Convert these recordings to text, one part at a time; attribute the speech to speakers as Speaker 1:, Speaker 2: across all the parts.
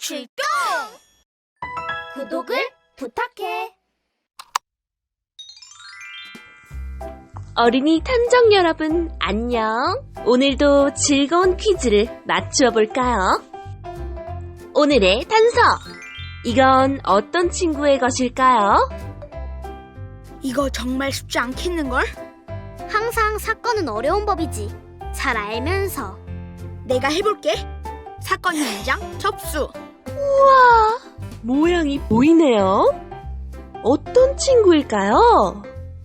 Speaker 1: 출동! 구독을 부탁해.
Speaker 2: 어린이 탐정 여러분, 안녕. 오늘도 즐거운 퀴즈를 맞추어 볼까요? 오늘의 단서. 이건 어떤 친구의 것일까요?
Speaker 1: 이거 정말 쉽지 않겠는걸?
Speaker 3: 항상 사건은 어려운 법이지. 잘 알면서.
Speaker 1: 내가 해볼게. 사건 현장 접수.
Speaker 2: 우와, 모양이 보이네요. 어떤 친구일까요?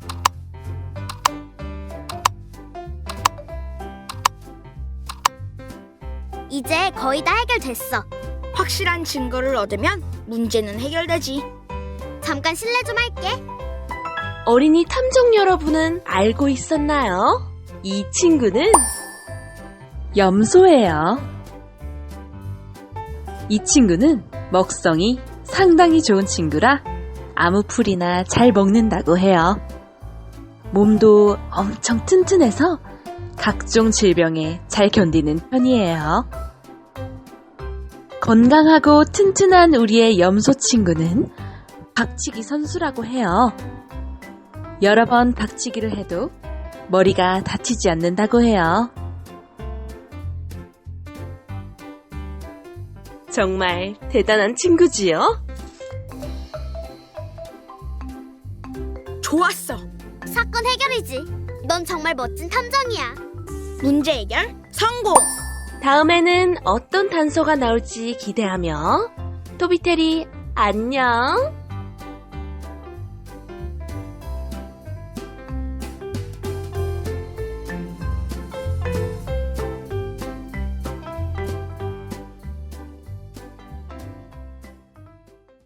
Speaker 3: 이제 거의 다 해결됐어.
Speaker 1: 확실한 증거를 얻으면 문제는 해결되지.
Speaker 3: 잠깐 실례 좀 할게.
Speaker 2: 어린이 탐정 여러분은 알고 있었나요? 이 친구는 염소예요. 이 친구는 먹성이 상당히 좋은 친구라 아무 풀이나 잘 먹는다고 해요. 몸도 엄청 튼튼해서 각종 질병에 잘 견디는 편이에요. 건강하고 튼튼한 우리의 염소 친구는 박치기 선수라고 해요. 여러 번 박치기를 해도 머리가 다치지 않는다고 해요. 정말 대단한 친구지요?
Speaker 1: 좋았어.
Speaker 3: 사건 해결이지. 넌 정말 멋진 탐정이야.
Speaker 1: 문제 해결 성공.
Speaker 2: 다음에는 어떤 단서가 나올지 기대하며 토비테리 안녕!